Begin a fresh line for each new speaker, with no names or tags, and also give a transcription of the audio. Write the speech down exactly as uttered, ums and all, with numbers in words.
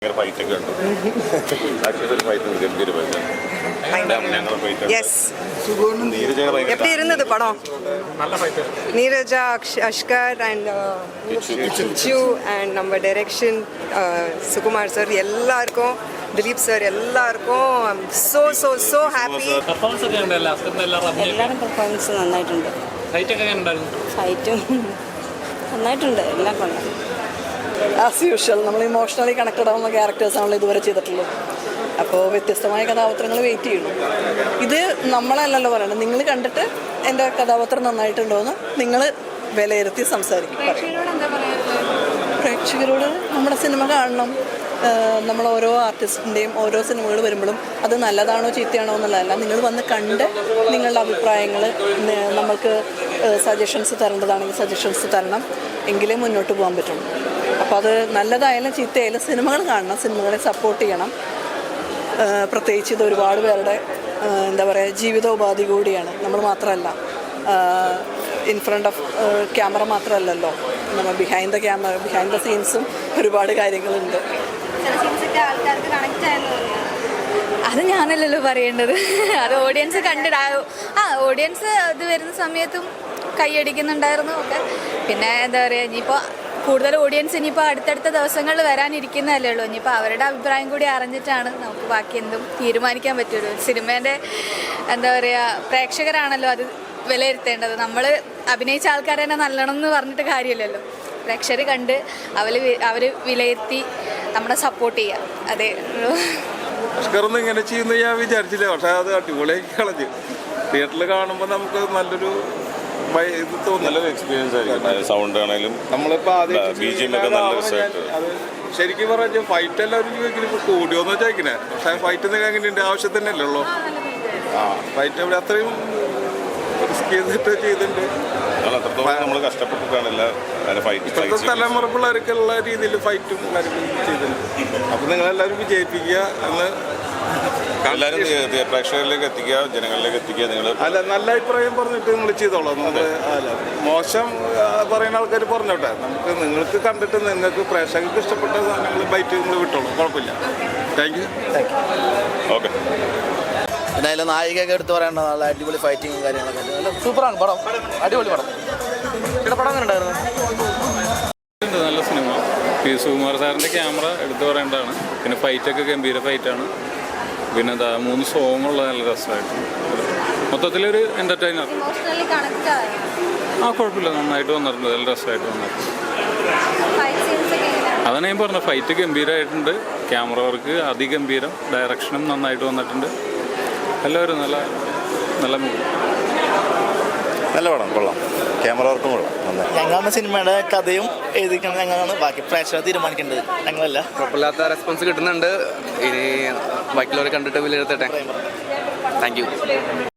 ഫൈറ്റൊക്കെ ഉണ്ട്. Actually fight ഗംഭീരമായിട്ടാണ്.
எப்படி இருந்தது படம்? நீரஜா, அஷ்கர் அண்ட் இச்சு அண்ட் நம்ம டைரக்ஷன் சுகுமார் சார் எல்லாருக்கும், ദിലീപ് സാർ എല്ലാവർക്കും സോ സോ സോ ഹാപ്പി.
എല്ലാവരും പെർഫോമൻസ് നന്നായിട്ടുണ്ട്. ഫൈറ്റും നന്നായിട്ടുണ്ട്. എല്ലാം കൊള്ളാം. ആസ് യൂഷ്വൽ നമ്മൾ ഇമോഷണലി കണക്റ്റഡ് ആവുന്ന ക്യാരക്ടേഴ്സാണല്ലോ ഇതുവരെ ചെയ്തിട്ടുള്ളത്. അപ്പോൾ വ്യത്യസ്തമായ കഥാപാത്രങ്ങൾ വെയിറ്റ് ചെയ്യുന്നു. ഇത് നമ്മളല്ലല്ലോ പറയണം, നിങ്ങൾ കണ്ടിട്ട് എൻ്റെ കഥാപാത്രം നന്നായിട്ടുണ്ടോ എന്ന് നിങ്ങൾ വിലയിരുത്തി സംസാരിക്കും. പ്രേക്ഷകരോട് നമ്മുടെ സിനിമ കാണണം. നമ്മൾ ഓരോ ആർട്ടിസ്റ്റിൻ്റെയും ഓരോ സിനിമകൾ വരുമ്പോഴും അത് നല്ലതാണോ ചീത്തയാണോ എന്നുള്ളതല്ല, നിങ്ങൾ വന്ന് കണ്ട് നിങ്ങളുടെ അഭിപ്രായങ്ങൾ നമ്മൾക്ക് സജഷൻസ് തരേണ്ടതാണെങ്കിൽ സജഷൻസ് തരണം, എങ്കിലേ മുന്നോട്ട് പോകാൻ പറ്റുള്ളൂ. അപ്പോൾ അത് നല്ലതായാലും ചീത്തയായാലും സിനിമകൾ കാണണം, സിനിമകളെ സപ്പോർട്ട് ചെയ്യണം. പ്രത്യേകിച്ച് ഇത് ഒരുപാട് പേരുടെ എന്താ പറയുക ജീവിതോപാധി കൂടിയാണ്. നമ്മൾ മാത്രമല്ല, ഇൻ ഫ്രണ്ട് ഓഫ് ക്യാമറ മാത്രമല്ലല്ലോ, നമ്മൾ behind the camera behind the സീൻസും ഒരുപാട് കാര്യങ്ങളുണ്ട്.
അത് ഞാനല്ലല്ലോ പറയേണ്ടത്, അത് ഓഡിയൻസ് കണ്ടിടാ. ആ ഓഡിയൻസ് ഇത് വരുന്ന സമയത്തും കൈയടിക്കുന്നുണ്ടായിരുന്നു ഒക്കെ. പിന്നെ എന്താ പറയുക, ഇനിയിപ്പോൾ കൂടുതൽ ഓഡിയൻസ് ഇനിയിപ്പോൾ അടുത്തടുത്ത ദിവസങ്ങളിൽ വരാനിരിക്കുന്നതല്ലേ ഉള്ളൂ. ഇനിയിപ്പോൾ അവരുടെ അഭിപ്രായം കൂടി അറിഞ്ഞിട്ടാണ് നമുക്ക് ബാക്കി എന്തും തീരുമാനിക്കാൻ പറ്റുള്ളൂ. സിനിമേൻ്റെ എന്താ പറയുക, പ്രേക്ഷകരാണല്ലോ അത് വിലയിരുത്തേണ്ടത്. നമ്മൾ അഭിനയിച്ച ആൾക്കാരെ തന്നെ നല്ലണം എന്ന് പറഞ്ഞിട്ട് കാര്യമില്ലല്ലോ. പ്രേക്ഷകർ കണ്ട് അവർ അവർ വിലയിരുത്തി നമ്മളെ സപ്പോർട്ട് ചെയ്യുക. അതേ
അഷ്കറൊന്നും ഇങ്ങനെ ചെയ്യുന്ന ഞാൻ വിചാരിച്ചില്ല. പക്ഷേ അത് അടിപൊളിയാക്കി കളഞ്ഞ് തിയേറ്ററിൽ കാണുമ്പോൾ നമുക്ക് നല്ലൊരു ഇത് തോന്നും,
നല്ലൊരു എക്സ്പീരിയൻസ് ആയിരിക്കും. സൗണ്ട് ആണെങ്കിലും
നമ്മളിപ്പോൾ ആദ്യം
അത്
ശരിക്കും പറഞ്ഞാൽ ഫൈറ്റ് എല്ലാവരും ചോദിക്കുന്നത് ഇപ്പോൾ കൂടിയോന്ന് ചോദിക്കണേ. പക്ഷേ ഫൈറ്റ് എന്തെങ്കിലും എങ്ങനെയുണ്ട്, ആവശ്യം തന്നെയല്ലേ ഉള്ളൂ. ആ ഫൈറ്റ് അവിടെ അത്രയും റിസ്ക് ചെയ്തിട്ട് ചെയ്തിട്ടുണ്ട്.
നമ്മൾ കഷ്ടപ്പെട്ടിട്ടാണ്
ഇപ്പോഴത്തെ തലമുറ പിള്ളേർക്കുള്ള രീതിയിൽ ഫൈറ്റും കാര്യങ്ങളും ചെയ്തിട്ടുണ്ട്. അപ്പം നിങ്ങളെല്ലാവരും വിജയിപ്പിക്കുക എന്ന്
എല്ലാവരും പ്രേക്ഷകരിലേക്ക് എത്തിക്കുക, ജനങ്ങളിലേക്ക് എത്തിക്കുക. നിങ്ങൾ
അല്ല, നല്ല അഭിപ്രായം പറഞ്ഞിട്ട് നിങ്ങൾ ചെയ്തോളാം. നമ്മൾ അല്ല മോശം പറയുന്ന ആൾക്കാർ പറഞ്ഞോട്ടെ. നമുക്ക് നിങ്ങൾക്ക് കണ്ടിട്ട് നിങ്ങൾക്ക് പ്രേക്ഷകർക്ക് ഇഷ്ടപ്പെട്ട സാധനങ്ങൾ ബൈറ്റ് നിങ്ങൾ വിട്ടോളൂ, കുഴപ്പമില്ല. Thank you.
ഓക്കെ.
പിന്നെ അതിൽ നായികയൊക്കെ എടുത്ത് പറയേണ്ട നല്ല അടിപൊളി ഫൈറ്റിങ്ങും കാര്യങ്ങളൊക്കെ നല്ല സൂപ്പറാണ് പടം, അടിപൊളി പടം. ഇവിടെ പടം അങ്ങനെ ഉണ്ടായിരുന്നു.
നല്ല സിനിമ. പി സുകുമാർ സാറിൻ്റെ ക്യാമറ എടുത്തു പറയേണ്ടതാണ്. പിന്നെ ഫൈറ്റൊക്കെ ഗംഭീര ഫൈറ്റാണ്. പിന്നെ എന്താ മൂന്ന് സോങ്ങുള്ള നല്ല രസമായിട്ട് മൊത്തത്തിലൊരു എൻ്റർടൈനർ. ആ കുഴപ്പമില്ല, നന്നായിട്ട് വന്നിട്ടുണ്ട്, നല്ല രസമായിട്ട് വന്നിട്ടുണ്ട്. അതാണ് ഞാൻ പറഞ്ഞത്, ഫൈറ്റ് ഗംഭീരമായിട്ടുണ്ട്, ക്യാമറ വർക്ക് അതിഗംഭീരം, ഡയറക്ഷനും നന്നായിട്ട് വന്നിട്ടുണ്ട്. എല്ലാവരും നല്ല നല്ല മൂവി,
നല്ല പടം, കൊള്ളാം. ക്യാമറ വർക്കും കൊള്ളാം.
ഞങ്ങളാണ് സിനിമയുടെ കഥയും എഴുതിക്കുന്നത് ഞങ്ങളാണ്, ബാക്കി പ്രേക്ഷകർ തീരുമാനിക്കേണ്ടത് ഞങ്ങളല്ല.
കുഴപ്പമില്ലാത്ത റെസ്പോൺസ് കിട്ടുന്നുണ്ട്. ഇനി ബാക്കിയുള്ളവരെ കണ്ടിട്ട് വിലയിരുത്തട്ടെ. Thank you.